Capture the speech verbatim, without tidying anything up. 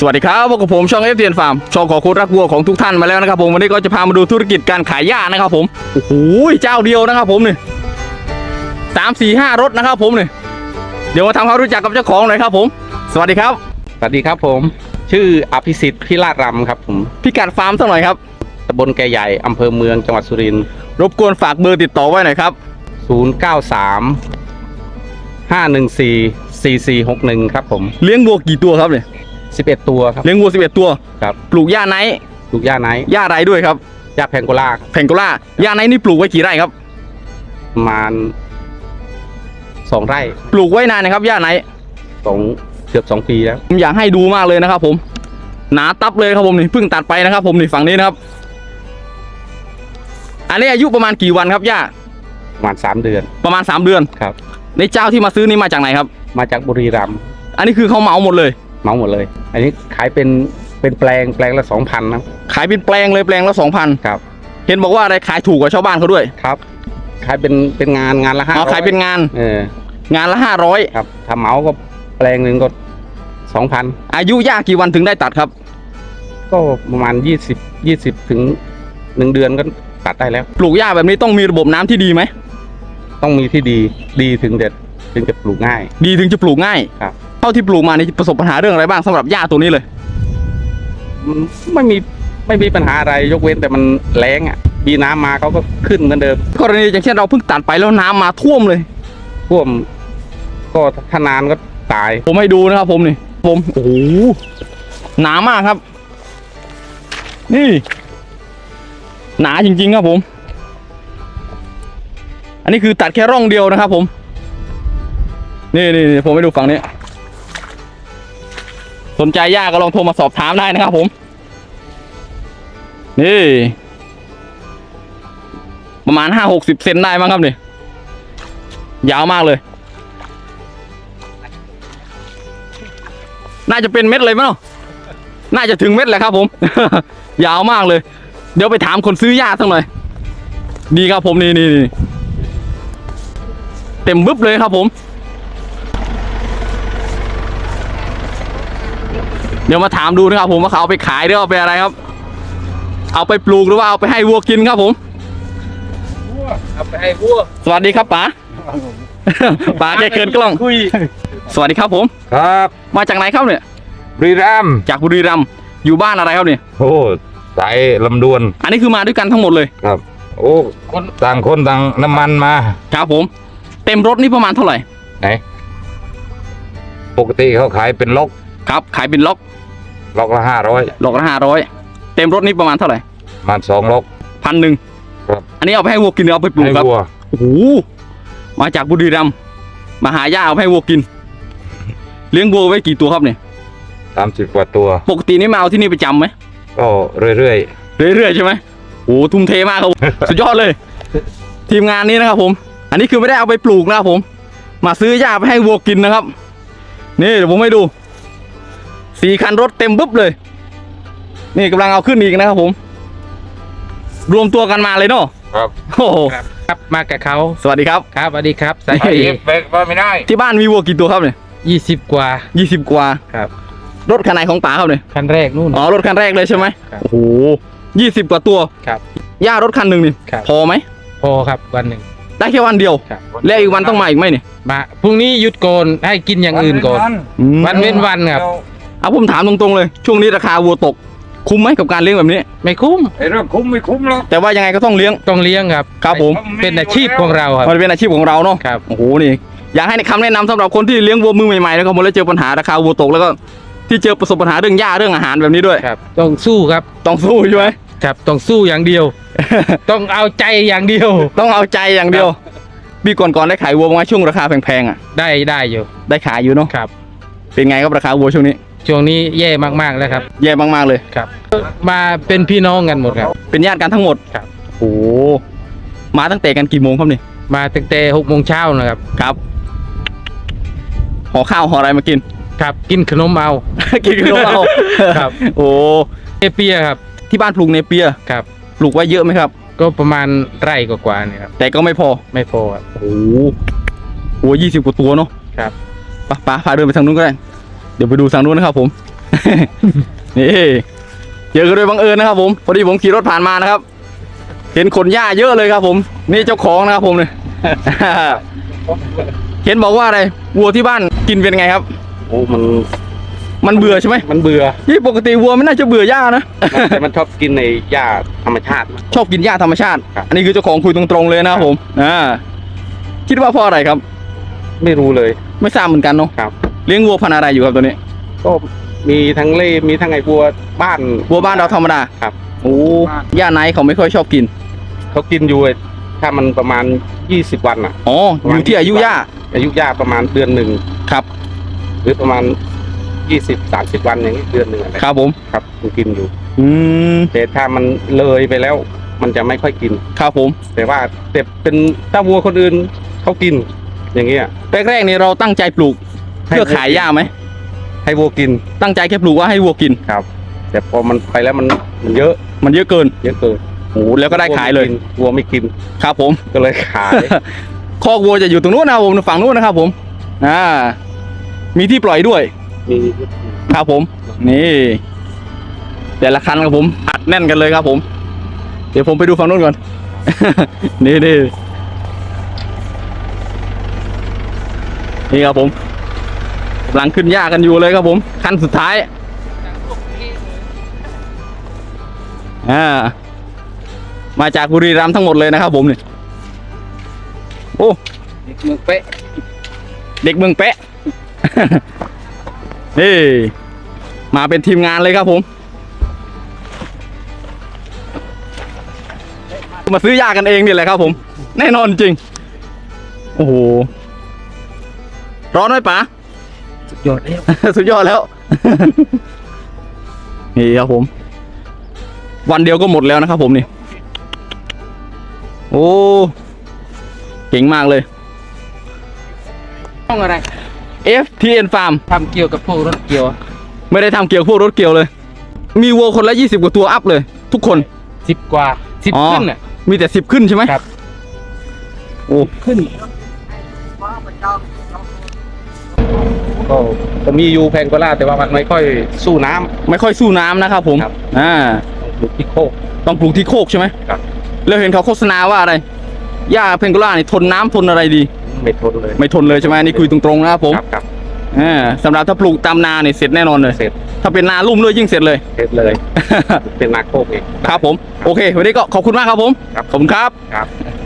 วัสดีครับพบกับผมช่องเอฟเทียนฟาร์มช่องของคนรักวัวของทุกท่านมาแล้วนะครับผมวันนี้ก็จะพามาดูธุรกิจการขายหญ้านะครับผมโอ้โหเจ้าเดียวนะครับผมนี่สามสี่ห้ารถนะครับผมนี่เดี๋ยวมาทำความรู้จักกับเจ้าของหน่อยครับผมสวัสดีครับสวัสดีครับผมชื่ออภิสิทธิ์พิราชรำครับผมพิกัดฟาร์มสักหน่อยครับตำบลแกใหญ่อำเภอเมืองจังหวัดสุรินทร์รบกวนฝากเบอร์ติดต่อไว้หน่อยครับศูนย์ เก้า สาม ห้า หนึ่ง สี่ สี่ สี่ หก หนึ่งครับผมเลี้ยงวัวกี่ตัวครับเนี่ยสิบเอ็ดตัวครับเลี้ยงวัวสิบเอ็ดตัวครับปลูกหญ้าไนท์ปลูกหญ้าไนท์หญ้าไรด้วยครับหญ้าแพงโกลาแพงโกลาหญ้าไนท์นี่ปลูกไว้กี่ไร่ครับประมาณสองไร่ปลูกไว้นานนะครับหญ้าไนท์สองเกือบสองปีแล้วผมอยากให้ดูมากเลยนะครับผมหนาตับเลยครับผมนี่เพิ่งตัดไปนะครับผมนี่ฝั่งนี้นะครับอันนี้อายุประมาณกี่วันครับหญ้าประมาณสามเดือนประมาณสามเดือนครับในเจ้าที่มาซื้อนี่มาจากไหนครับมาจากบุรีรัมย์อันนี้คือเขาเหมาหมดเลยเหมาหมดเลยอันนี้ขายเป็นเป็นแปลงแปลงละสองพันนะขายเป็นแปลงเลยแปลงละสองพันครับเห็นบอกว่าอะไรขายถูกกว่าชาวบ้านเขาด้วยครับขายเป็นเป็นงานงานละห้าร้อยขายเป็นงานเอองานละห้าร้อยครับถ้าเหมาก็แปลงหนึ่งก็สองพันอายุหญ้ากี่วันถึงได้ตัดครับก็ประมาณยี่สิบยี่สิบถึงหนึ่งเดือนก็ตัดได้แล้วปลูกหญ้าแบบนี้ต้องมีระบบน้ำที่ดีไหมต้องมีที่ดีดีถึงเด็ดถึงจะปลูกง่ายดีถึงจะปลูกง่ายครับเท่าที่ปลูกมานี่ประสบปัญหาเรื่องอะไรบ้างสำหรับหญ้าตัวนี้เลยไม่มีไม่มีปัญหาอะไรยกเว้นแต่มันแล้งอ่ะมีน้ำมาเขาก็ขึ้นเหมือนเดิมกรณีอย่างเช่นเราเพิ่งตัดไปแล้วน้ำมาท่วมเลยท่วมก็ถ้านานก็ตายผมให้ดูนะครับผมนี่ผมโอ้โหหนามากครับนี่หนาจริงๆครับผมอันนี้คือตัดแค่ร่องเดียวนะครับผมนี่นี่ผมไปดูฝั่งนี้สนใจหญ้าก็ลองโทรมาสอบถามได้นะครับผมนี่ประมาณห้าหกสิบเซนได้มั้งครับนี่ยาวมากเลยน่าจะเป็นเม็ดเลยมั้งน่าจะถึงเม็ดแหละครับผม ยาวมากเลยเดี๋ยวไปถามคนซื้อหญ้าสักหน่อยดีครับผมนี่นี่นี่เต็มบึ๊บเลยครับผมเดี๋ยวมาถามดูนะครับผมว่าเขาเอาไปขายหรือเอาไปอะไรครับเอาไปปลูกหรือว่าเอาไปให้วัวกินครับผมเอาไปให้วัวสวัสดีครับป๋าป๋าแกเกินกล้องคุยสวัสดีครับผมครับมาจากไหนครับเนี่ยบุรีรัมย์จากบุรีรัมย์อยู่บ้านอะไรครับเนี่ยโอ้สายลำดวนอันนี้คือมาด้วยกันทั้งหมดเลยครับโอ้คนต่างคนต่างน้ำมันมาครับผมเต็มรถนี่ประมาณเท่าไหร่ไหนปกติเขาขายเป็นล็อกครับขายเป็นล็อกล็อกละห้าร้อยล็อกละห้าร้อยเต็มรถนี่ประมาณเท่าไหร่ประมาณสองล็อกพันหนึ่งครับอันนี้เอาไปให้วัวกินเอาไปปลูกครับโอ้โหมาจากบุรีรัมย์มาหาหญ้าเอาไปให้วัวกินเลี้ยงวัวไว้กี่ตัวครับเนี่ยสามสิบกว่าตัวปกตินี่มาเอาที่นี่ประจำไหมก็เรื่อยเรื่อยเรื่อยใช่ไหมโอ้ทุ่มเทมากครับ สุดยอดเลยทีมงานนี้นะครับผมอันนี้คือไม่ได้เอาไปปลูกนะครับผมมาซื้อหญ้าไปให้วัวกินนะครับนี่เดี๋ยวผมให้ดูสี่คันรถเต็มปุ๊บเลยนี่กำลังเอาขึ้นอีกนะครับผมรวมตัวกันมาเลยเนาะครับโอ้โหครับมากับเขาสวัสดีครับครับสวัสดีครับสายเบรกว่าไม่ได้ที่บ้านมีวัวกี่ตัวครับเนี่ยยี่สิบกว่ายี่สิบกว่าครับรถคันไหนของป๋าครับเนี่ยคันแรกนู่นอ๋อรถคันแรกเลยใช่ไหมโอ้โหยี่สิบกว่าตัวครับหญ้ารถคันหนึ่งนี่พอไหมพอครับวันหนึ่งได้แค่วันเดียวแล้วอีกวันต้องมาอีกไหมเนี่ยมาพรุ่งนี้หยุดก่อนให้กินอย่างอื่นก่อนวันเว้นวันครับเอาผมถามตรงๆเลยช่วงนี้ราคาวัวตกคุ้มไหมกับการเลี้ยงแบบนี้ไม่คุ้มไอ้เรื่องคุ้มไม่คุ้มหรอกแต่ว่ายังไงก็ต้องเลี้ยงต้องเลี้ยงครับครับผมเป็นอาชีพของเราครับมันเป็นอาชีพของเราเนาะครับโอ้โหนี่อยากให้คำแนะนำสำหรับคนที่เลี้ยงวัวมือใหม่ๆแล้วก็แล้วเจอปัญหาราคาวัวตกแล้วก็ที่เจอประสบปัญหาเรื่องหญ้าเรื่องอาหารแบบนี้ด้วยครับต้องสู้ครับต้องสู้ใช่ไหมครับต้องสู้อย่างเดียว ต้องเอาใจอย่างเดียวต้องเอาใจอย่างเดียวปีก่อนๆได้ขายวัวมาช่วงราคาแพงๆอ่ะได้ได้อยู่ได้ขายอยู่เนาะครับเป็นไงครับราคาวัวช่วงนี้ช่วงนี้แย่มากๆแล้วครับแย่มากๆเลยครับมาเป็นพี่น้องกันหมดครับเป็นญาติกันทั้งหมดครับโอ้มาตั้งแต่กันกี่โมงครับนี่มาตั้งแต่หกโมงเช้านะครับครับห่อข้าวห่ออะไรมากินครับกินขนมเอากินขนมเอาครับโอ้เนเปียครับที่บ้านปลูกเนเปียครับปลูกไว้เยอะไหมครับก็ประมาณไร่กว่าๆนี่ครับแต่ก็ไม่พอไม่พอครับโอ้โหยี่สิบกว่าตัวเนาะครับป้าป้าพาเดินไปทางนู้นก็ได้เดี๋ยวไปดูทางนู้นนะครับผมนี่เจอกันโดยบังเอิญนะครับผมพอดีผมขี่รถผ่านมานะครับ เห็นขนหญ้าเยอะเลยครับผมนี่เจ้าของนะครับผมเนี่ย เห็นบอกว่าอะไรวัวที่บ้านกินเป็นไงครับโอ้มันมันเบื่อใช่ไหมมันเบื่อนี่ปกติวัวไม่น่าจะเบื่อหญ้านะแต่มันชอบกินในหญ้าธรรมชาติชอบกินหญ้าธรรมชาติครับอันนี้คือเจ้าของคุยตรงๆเลยนะครับผมอ่าคิดว่าเพราะอะไรครับไม่รู้เลยไม่ทราบเหมือนกันเนาะครับเลี้ยงวัวพันธุ์อะไรอยู่ครับตัวนี้ก็มีทั้งเล่มีทั้งไอ้บัวบ้านวัวบ้านเราธรรมดาครับโอ้หญ้าไนท์เขาไม่ค่อยชอบกินเขากินอยู่ไอ้ถ้ามันประมาณยี่สิบวันอ่ะอ๋ออยู่ที่อายุหญ้าอายุหญ้าประมาณเดือนหนึ่งครับหรือประมาณยี่สิบสามสิบวันอย่างนี้เดือนหนึ่งอะไรครับผมครับมันกินอยู่อืมแต่ถ้ามันเลยไปแล้ว มันจะไม่ค่อยกินครับผมแต่ว่าแต่เป็นถ้าวัวคนอื่นเขากิน อย่างเงี้ยแรกๆนี่เราตั้งใจปลูกเพื่อขายหญ้าไหมให้วัวกินตั้งใจแค่ปลูกว่าให้วัวกินครับ แต่พอมันไปแล้วมันมันเยอะมันเยอะเกินเยอะเกินโอ้แล้วก็ได้ขายเลยวัวไม่กินครับผมก็เลยขายคอกวัวจะอยู่ตรงนู้นนะครับผมฝั่งนู้นนะครับผมอ่ามีที่ปล่อยด้วยมีครับผม นี่แต่ละคันครับผมอัดแน่นกันเลยครับผม เดี๋ยวผมไปดูฝั่งนู้นก่อน นี่นี่นี่ครับผมกำลังขึ้นหญ้ากันอยู่เลยครับผมคันสุดท้ายอ่ามาจากบุรีรัมย์ทั้งหมดเลยนะครับผมนี่โอ้เมืองเป๊ะเด็กเมืองเป๊ะ นี่มาเป็นทีมงานเลยครับผม มาซื้อยากันเองนี่แหละครับผม แน่นอนจริง โอ้โห ร้อนไหมป๋าสุดยอดแล้วสุดยอดแล้ว นี่ครับผม วันเดียวก็หมดแล้วนะครับผมนี่ โอ้ เก่งมากเลยช่องอะไรเอฟ ที เอ็น Farm ทำเกี่ยวกับพวกรถเกี่ยวไม่ได้ทำเกี่ยวกับพวกรถเกี่ยวเลย มีวัวคนละยี่สิบกว่าตัวอัพเลย ทุกคนสิบกว่าสิบอ๋อขึ้นน่ะมีแต่สิบขึ้นใช่ไหมครับโอ้ขึ้นก็ก็มีอยู่แพงกว่าล่าแต่ว่ามันไม่ค่อยสู้น้ำไม่ค่อยสู้น้ำนะครับผมครับอ่าปลูกที่โคกต้องปลูกที่โคกใช่ไหมครับแล้วเห็นเขาโฆษณาว่าอะไร หญ้าเพนโกล่านี่ทนน้ำทนอะไรดีไม่ทนเลยไม่ทนเลยใช่ไหมนี่คุยตรงๆนะครับผมครับครับอ่าสำหรับถ้าปลูกตามนาเนี่ยเสร็จแน่นอนเลยเสร็จถ้าเป็นนาลุ่มด้วยยิ่งเสร็จเลยเสร็จเลย เป็นนาโคกเองครับผม โอเค วันนี้ก็ขอบคุณมากครับผมครับขอบคุณครับครับ